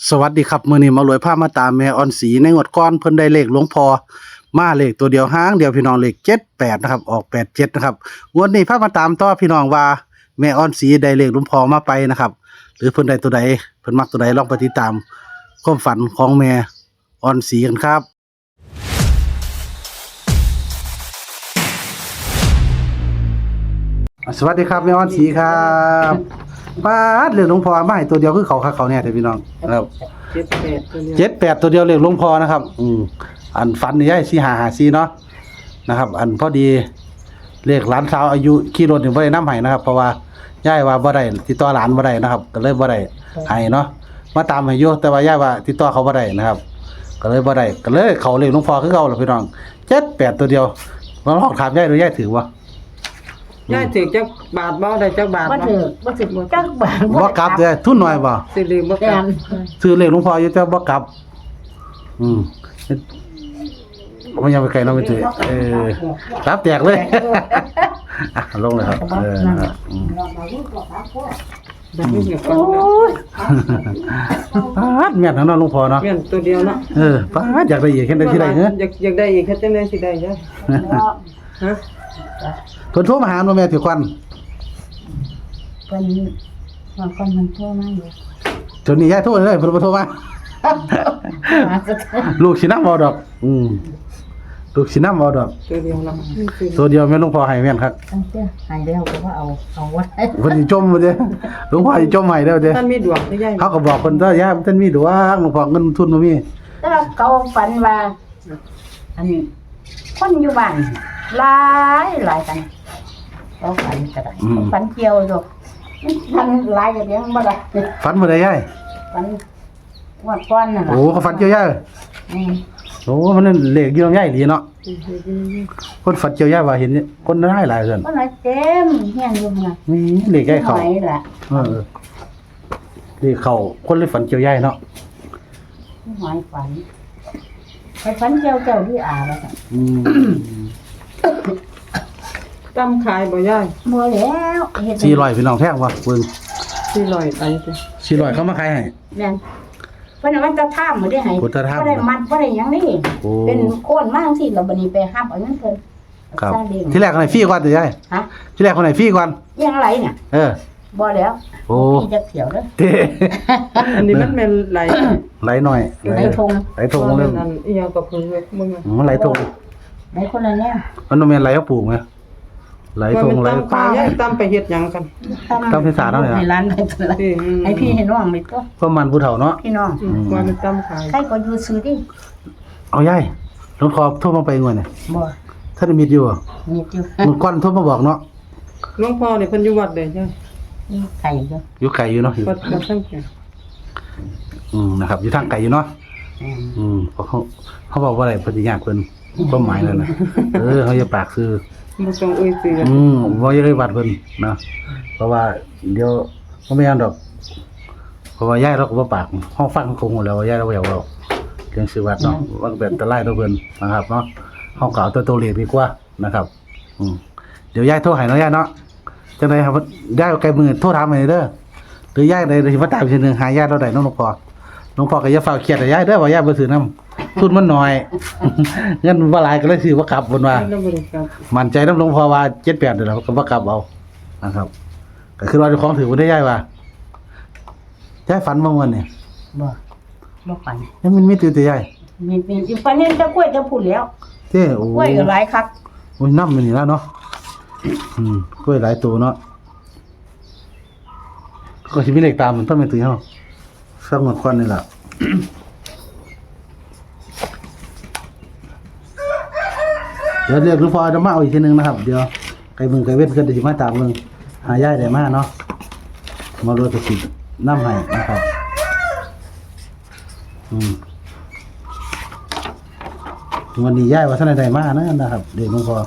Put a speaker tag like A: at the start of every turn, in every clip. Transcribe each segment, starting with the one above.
A: สวัสดีครับมื้อนี้มารวยพามาตามแม่ออนศรีในงวดก่อนเพิ่นได้เลขหลวงพ่อมาเลขตัวเดียวหางเดียวพี่น้องเลข78นะครับออก87นะครับงวดนี้พามาตามต่อพี่น้องว่าแม่ออนศรีได้เลขหลวงพ่อมาไปนะครับหรือเพิ่นได้ตัวใดเพิ่นมักตัวใดลองไปติดตามความฝันของแม่ออนศรีกันครับสวัสดีครับแม่ออนศรีครับป้าดเลขหลวงพ่อมาให้ตัวเดียวคือเขาคักเขาแน่เด้อพี่น้องครับ78ตัวเดียวเลขหลวงพ่อนะครับอันฝันนี่ยาย4554เนาะนะครับอันพอดีเลขหลานสาวอายุขี่รถนี่บ่ได้นำให้นะครับเพราะว่ายายว่าบ่ได้ติดต่อหลานบ่ได้นะครับก็เลยบ่ได้ให้เนาะมาตามให้อยู่แต่ว่ายายว่าติดต่อเขาบ่ได้นะครับก็เลยบ่ได้ก็เลยเขาเลขหลวงพ่อคือเก่าล่ะพี่น้อง78ตัวเดียวลองถามยายดูยายถือบ่
B: ยายถือจักบาทบ่ได้จักบาท
C: บ่ถือจักบาท
A: บ่กลับเด้อทุนน้อยบ่
B: สิลืมบ่กลับ
A: ซื้อเลขหลวงพ่ออยู่แต่บ่กลับมันยังไปไกลเนาะไม่ถือรับแตกเลยลงเลยครับนะครับ
B: แบบนี้ก็
A: ป้าดแม่นของน้องหลวงพ่อเนาะ
B: แม่นตัวเดียวเนาะ
A: ป้าดอยากได้อีกแค่ได้ที่ใดเด้อ
B: อยากได้อีกแค่จังได๋สิได้จ้ะฮะ
A: เพิ่นโทรมาหาหนูแม่ถือควัน
C: เพิ่นว่าคนมันโทรมาอยู่
A: จนนี้ยายโทรเลยเพิ่นบ่โทรมาลูกสินำเอาดอกลูกสินำเอาดอก
B: ตัวเดียวเนาะ
A: ตัวเดียวแม่หลวงพ่อให้แม่นครับ
C: ตั้งแต่หายแล้วก็ว่าเอาไว้
A: เพิ่นสิจมบ่เด้หลวงพ่อสิจมให้เด้อเด้
B: ท่านมีดวงได้ยาย
A: เขาก็บอกเพิ่นว่ายายมันมีดวงหลวงพ่อเงินทุนบ่มี
C: แต่ว่าเขาฝันว่าอันนี้คนอยู่บ้านหลายกันเขาฝันก็ได้ฝันเกี่ยวอยู่ฝันหลายอย่างเดียวบ่ได้
A: ฝันบ่ได้ยาย
C: ฝันว่าก้อนน่ะ
A: โอ้เขาฝันเกี่ยวยายโอ้มันนั่นเลขอยู่นำยายดีเนาะคนฝันเกี่ยวยายว่าเห็นคนหลายๆเพิ่น
C: บ่ได้เต็มเฮียนอยู่น่ะ
A: นี่เลขใกล้เข้า
C: ไหนล่ะ
A: เลขเข้าคนเลยฝันเกี่ยวยายเนาะ
C: หอยฝันไปฝันเจ้าที่อาแล้วค่ะ
B: ตำขายบ่ยาย
C: บ่แล้วเฮ็ด
A: 400พี่น้องแพงบ่เบิ่ง
B: 400ไปติ
A: 400เขามาขายให้
C: แม่นเพิ่นมันจะท่ามบ่ได้ให้
A: พุทธธรรม
C: บ่ได้มัดบ่ได้หยังนี่
A: โอ้
C: เป็นโคนมาจังซี่แล้วบัดนี้ไปหับเอาเงินเพิ่น
A: ครับ
C: ซาเล้ง
A: ที่แรกคนไหนฟรีก่อนเด้อยาย
C: ฮะ
A: ที่แรกคนไหนฟรีก่อน
C: ยังไรเนี่ย บ่แล้ว
A: โอ้
C: พี่จะเขียวเด้อ
A: เท่
B: อันนี้มันแม่นไหล
A: ไหลหน่อย
C: ไหลทง
A: ไหลทงเลย
B: อันอีหยังก็เพิ่นเว้ยมึง
A: มันไหลทง
C: ไหลคนละแนว
A: มันต้องแม่นไหลเขาปลูกไหมไหลทงไหล
B: ตำขายยายตำไปเฮ็ดหยังกัน
A: ต้องพิสารเนาะเนี่ย
C: ให้ร้านไปตัวละให้พี่ให้น้องไปตัว
A: ก็มันผู้เฒ่าเนาะ
C: พี่น้อง
B: ว่ามันตำขาย
C: ใครก็อยู่ซื้อดิ
A: เอายายหลวงพ่อโทรมาไปงวดเนี่ย
C: บ่
A: ถ้าได้มีอยู่
C: มีอยู่
A: มึงก่อนโทรมาบอกเนาะ
B: หลวงพ่อนี่เพิ่นอยู่วัดใดจ้ะ
C: มีไก่อยู่
A: อยู่ไกลอยู่เนาะ
B: วัดสังเกต
A: นะครับอยู่ทางไกลอยู่เนาะเพราะเขาบอกว่าอะไรปฏิญาณเพิ่นความหมายนั่นน่ะเขาจะปากซื้อ
B: บ่ต้องเอ่ยชื่อ
A: บ่อยากได้วัดเพิ่นนะเพราะว่าเดี๋ยวบ่แม่นดอกเพราะว่ายายเราก็บ่ปากห้องฟังคงหมดแล้วว่ายายเราบ่อยากเว้าเรื่องชื่อวัดเนาะมันก็เป็นอันตรายต่อเพิ่นนะครับเนาะเฮาก็เอาตัวเลขดีกว่านะครับเดี๋ยวยายโทรให้เนาะยายเนาะจังได๋ครับยายเอาไกลมือโทรถามให้เด้อหรือยายได้สิมาตามอีกทีนึงหายายเราได้เนาะหลวงพ่อก็อย่าเฝ้าเครียดให้ยายเด้อว่ายายบ่ซื้อนำทุนมันน้อย เงินบ่หลายก็เลยซื้อบ่กลับเพิ่นว่า
B: แล้วบ่ได้กลับ
A: มั่นใจน้ำหลวงพ่อว่า78เดี๋ยวเราก็บ่กลับเอานะครับก็คือเราเจ้าของถือบ่ได้ย้ายว่ายายฝันบ่ม่วนนี่
C: บ่ฝัน
A: ยังมันมีตื่นแต่ยาย
C: มีฝันเห็นตะกล้วยจะพูดแล้ว
A: เด้โอ้
C: กล้วยก็หลายคัก
A: โอ้ยน้ำมันนี่แล้วเนาะกล้วยหลายตัวเนาะก็สิมีเลขตามมันต้องเป็นตัวเฮาสักหมดควันนี่ล่ะ เดี๋ยวเรียกหลวงพ่อจะมาเอาอีกทีนึงนะครับเดี๋ยวไก่เว้นก็จะมาตามมึงหายายได้มาเนาะมาโรยกระสิน้ำให้นะครับวันนี้ยายว่าท่านใดมานะครับเดี๋ยวหลวงพ่อ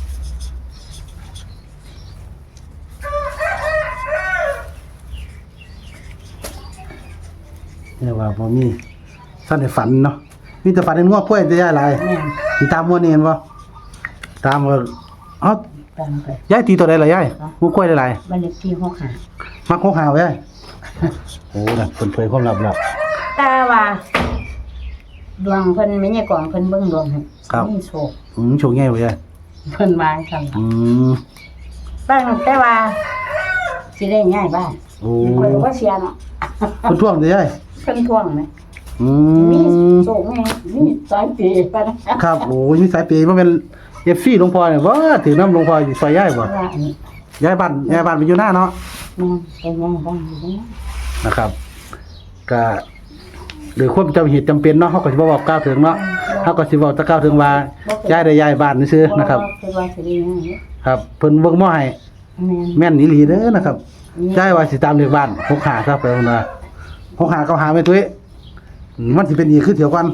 A: เนี่ยว่าพอมีท่านได้ฝันเนาะมีแต่ฝันในง้อกล้วยจะยายหลาย
C: แม่น
A: สิตามมัวนี่เห็นบ่ตามก็เอ้า
C: ตามไป
A: ยายตีตัวใดล่ะยายงูกล้วยหลาย
C: บ้านเลขที่65
A: ๆมักหกหาไว้ยายโอ้น่ะเพิ่นเผยความลับ
C: แต่ว่าดวงเพิ่นไม่ใช่ก่อนเพิ่นเบิ่งดวงให้มีโชค
A: โชคง่ายบ่ยาย
C: เพิ่นมาซั่น
A: ม
C: ตั้งแต่ว่าสิได้ย้ายบ้าน
A: โอ้
C: เพิ่นบ่เสียเนาะ
A: เพิ่นท่วงเด้อยาย
C: เพิ่นทวงไหม มี
A: ม
C: โชคไงมีสายปีปะนะครับ
A: โอ้ยมีสายเปย์บ่แม่น FC หลวงพ่อเนี่ยบ่ถือน้ำหลวงพ่อสิซอยยายบ่
C: ว่าอันนี้
A: ย้ายบ้านไปอยู่หน้าเนาะ
C: เป็นยังบ้างอยู่นะ
A: นะครับก็หรือความจำเหตุจำเป็นเนาะเขาก็สิบ่บอกกล่าวถึงเนาะเขาก็สิบอกแตะกล่าวถึงว่าย้ายได้ย้ายบ้านซื่อๆนะครับ
C: คือว่าสิได้ยังไง
A: ครับเพิ่นเบิ่งหม้อให้
C: แม่น
A: แม่นอีหลีเด้อนะครับย้ายว่าสิตามเลขบ้าน6หาซะไปว่า6หา9หาแม่ตุ้ยมันสิเป็นอีกคือเถียวกัน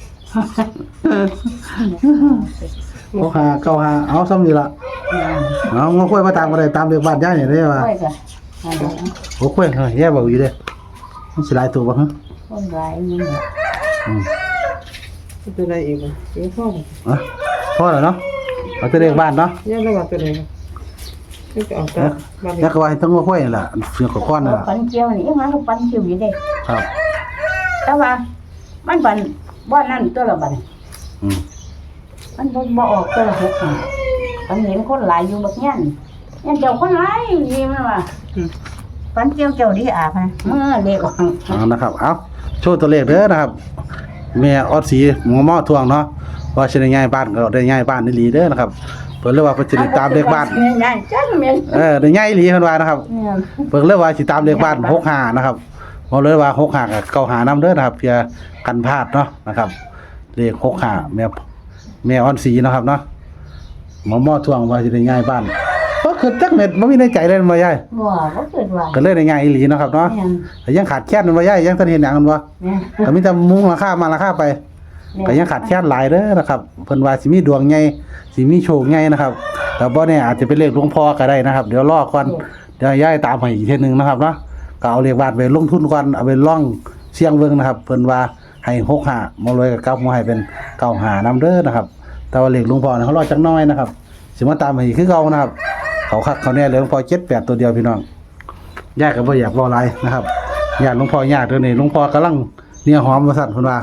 A: 6หา9หาเอาซ้ำนี่ล่ะเอางอค่อยมาตามก็ได้ตามเลขบ้านย้ายนี่ได้ว่า
C: ค่อยก็อันนี้
A: โอ้ค่อยแย่บอกอยู่เด้มันสิหลายตัวบ่ฮะ
C: คนร้ายนี่แหละ
B: ตัวใดอีกบ่เดี๋ยวพ่อ
A: อ่ะพอแล้วเนาะเอาแต่เลขบ้านเนาะ
B: ย่าระบาดตัวใดนี่จะเอาแต่บ้าน
A: แล้วก็ว่าให้ต้องงอค่อยนี่ล่ะเสือกับก้อนนั่นล่ะ
C: ปันเจียวนี่มันก็ปันเจียวอยู่เด้
A: ครับ
C: แต่ว่ามันปันบ่นั่นตัวละบัด
A: อืม
C: มันบ่ออกตัวละ6ปันเห็นคนหลายอยู่บักแง่นยันเจ้าคนหลายนี่มันว่าปันเจียวเจ้าดีอาบนะเลขออก
A: เอานะครับเอาโชว์ตัวเลขเด้อนะครับแม่ออดสีหมอหม้อทวงเนาะว่าสิได้ย้ายบ้านก็ได้ย้ายบ้านอีหลีเด้อนะครับเพิ่นเลยว่าเพิ่นสิได้ตามเลขบ้าน
C: ง่ายจังแม่น
A: ได้ย้ายอีหลีเพิ่นว่านะครับ
C: เนี่ย
A: เพิ่นเลยว่าสิตามเลขบ้าน65นะครับบ่เลยว่า65กับ95นำเด้อนะครับเพื่อกันพลาดเนาะนะครับเลข65แม่ออดสีเนาะครับเนาะหมอหม้อทวงว่าสิได้ย้ายบ้านก็คือจักเม็ดบ่มีในใจเลยบ่ยาย
C: บ่เกิดว่า
A: ก็เลยได้ย้ายอีหลีเนาะครับเนาะ
C: แม่น
A: แต่ยังขาดแคลนมันบ่ยายยังทันเห็นหยังกันบ่
C: แม่น
A: ก็มีแต่มุงราคามาราคาไปก็ยังขาดแคลนหลายเด้อนะครับเพิ่นว่าสิมีดวงใหญ่สิมีโชคใหญ่นะครับแต่บ่แน่อาจจะเป็นเลขหลวงพ่อก็ได้นะครับเดี๋ยวรอก่อนเดี๋ยวย้ายตามให้อีกเทื่อนึงนะครับเนาะก็เอาเลขบาทไปลงทุนก่อนเอาไปล่องเสี่ยงเบิ่งนะครับเพิ่นว่าให้65บ่รวยก็กลับมาให้เป็น95นำเด้อนะครับแต่ว่าเลขหลวงพ่อเนี่ยเขารอจักหน้อยนะครับสิมาตามให้อีกคือเก่านะครับเขาคักเขาแน่เลยหลวงพ่อ78ตัวเดียวพี่น้องยากก็บ่อยากเว้าหลายนะครับญาติหลวงพ่อยากเด้อนี่หลวงพ่อกำลังเนี่ยหอมว่าซั่นเพิ่นว่า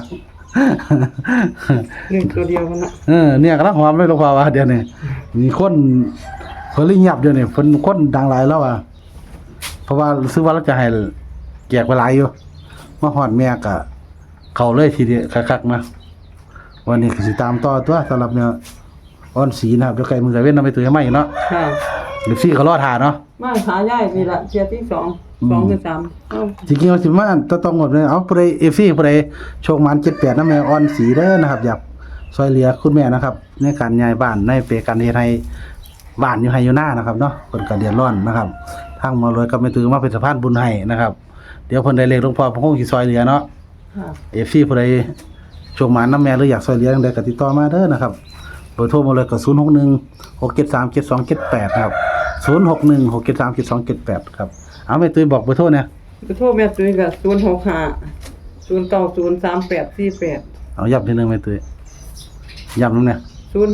B: หนึ่งตัวเดียวกันนะ
A: เนี่ยกำลังหอมเลยหลวงพ่อว่าเดี๋ยวนี้มีคนเพิ่นเลยเงียบเดี๋ยวนี้เพิ่นคนดังหลายแล้วอ่ะเพราะว่ารู้สึกว่าเราจะให้แจกไปหลายอยู่มาฮอดแม่ก็เข้าเลยทีเดียวคักๆนะวันนี้ก็สิตามต่อตัวสำหรับเนี่ยอ่อนสีนะครับเดี๋ยวไก่มือไก่เว้นนำไปตัวให้ใหม่เนาะ
B: ค่ะ
A: เดี๋ยวซี่ก็รอทาเนาะ
B: มาหาย่ายนี่ละเทียที่2 2คือ3เอ้า
A: จริงๆเอาสิมาต้องหมดเลยเอาผู้ใดเอฟซีผู้ใดโชคมัน78นำแม่อ่อนสีเด้อนะครับอยากช่วยเหลือคุณแม่นะครับในการย้ายบ้านในเปการเฮ็ดให้บ้านอยู่ให้อยู่หน้านะครับเนาะเพิ่นก็เดือดร้อนนะครับทางหมารวยก็ไม่ถือมาเป็นสะพานบุญให้นะครับเดี๋ยวเพิ่นได้เลขหลวงพ่อเพิ่นคงสิช่วยเหลือเนาะ
B: ค่ะ
A: FC ผู้ใดโชคมันนำแม่หรืออยากช่วยเหลือจังไดก็ติดต่อมาเด้อนะครับเบอร์โทรมาเลยก็0616737278นะครับ0616737278ครับเอาแม่ตุ้ยบอกเบอร์โทรเนี่ย
B: ไปโทรแม่ตุ้ยก็065 0903848
A: เอาย้ำทีนึงแม่ตุ้ยย้ำนำเนี่ย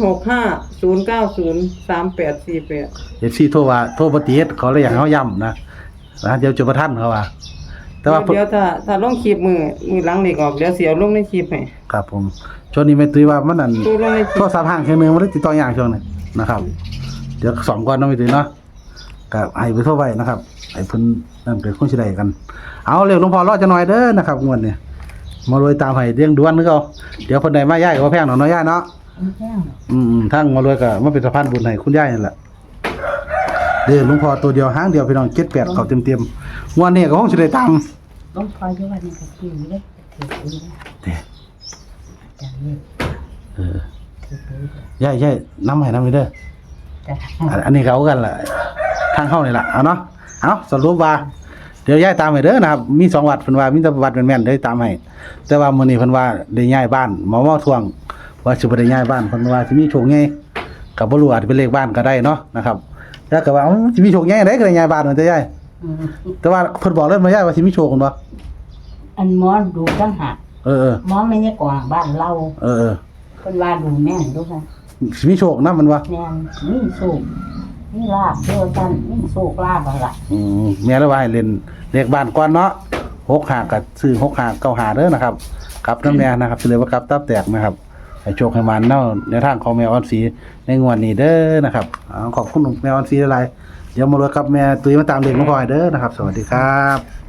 B: 065 0903848
A: FC โทรว่าโทรบ่ติดขอเลยอยากให้เฮาย้ำนะเดี๋ยวจะบ่ทันเขาว่าแต่ว่า
B: เดี๋ยวถ้าลงคลิปมือหลังนี่ออกเดี๋ยวสิเอาลงในคลิปให้
A: ครับผมช่วงนี้แม่ตุ้ยว่ามันนั่น
B: ตัวลงในค
A: โท
B: ลิ
A: ร
B: ป
A: ศัพท์ห่างเครื่องนึงมันได้ติดต่อยากช่วงนี้นะครับ เดี๋ยวสองก่อนเนาะแม่ตุ้ยเนาะก็ให้ไปโทรไว้นะครับให้เพิ่นนั่นเป็นคนสิได้กัน เอาเร็วหลวงพ่อรอจะหน่อยเด้อนะครับงวดนี้มารวยตามให้เรื่องด่วนคือเก่าเดี๋ยวเพิ่นได้มาย้ายก็บ่แพงดอกเนาะย้ายเนาะทางมารวยก็มาเป็นสะพานบุญให้คุณย้ายนั่นแหละเด้อหลวงพ่อตัวเดียวหางเดียวพี่น้อง78เข้าเต็มๆงวดนี้ก็คงสิได้ตาม
C: ต้องคอยอยู่ว่านี่ก็คิวเด้ถือปืน
A: เด้
C: จังนี้ ถือปืน
A: ย้ายนำให้นำไปเด้อ
C: จ้ะ
A: อันนี้เขากันแหละทางเข้านี่แหละเอาเนาะเอาสรุปว่าเดี๋ยวย้ายตามให้เด้อนะครับมี2วัดเพิ่นว่ามีแต่วัดแม่นๆเด้อตามให้แต่ว่ามื้อนี้เพิ่นว่าได้ย้ายบ้านหมอทวงว่าสิบ่ได้ย้ายบ้านเพิ่นว่าสิมีโชคใหญ่ก็บ่รู้อาจจะเป็นเลขบ้านก็ได้เนาะนะครับแล้วก็ว่าสิมีโชคใหญ่ได้ก็ได้ย้ายบ้านเหมือนจะย้ายแต่ว่าเพิ่นบอกเลยมาย้ายว่าสิมีโชคกันบ่
C: อันหมอดูตั้งหาก
A: เออ
C: หมอไม่ใช่กว่างบ้านเรา
A: ๆเออ
C: เพิ่นว่าดูแม่นดูค่ะ
A: สิมีโชคนำมันว่า
C: แม่นมีสูบมีลาบเดียวกันมีสูบลาบอะไร
A: แม่เลยว่าให้เล่นเลขบ้านก่อนเนาะ 6 หากับซื้อ6 หา9 หาเด้อนะครับกลับน้ำแน่นะครับเฉลยว่ากลับตับแตกนะครับให้โชคให้มันเนาะในทางของแมวออนสีในงวดนี้เด้อนะครับขอบคุณแมวออนสีหลายๆเดี๋ยวมาเลยกับแม่ตุ้ยมาตามเด็กน้องพลอยเด้อนะครับสวัสดีครับ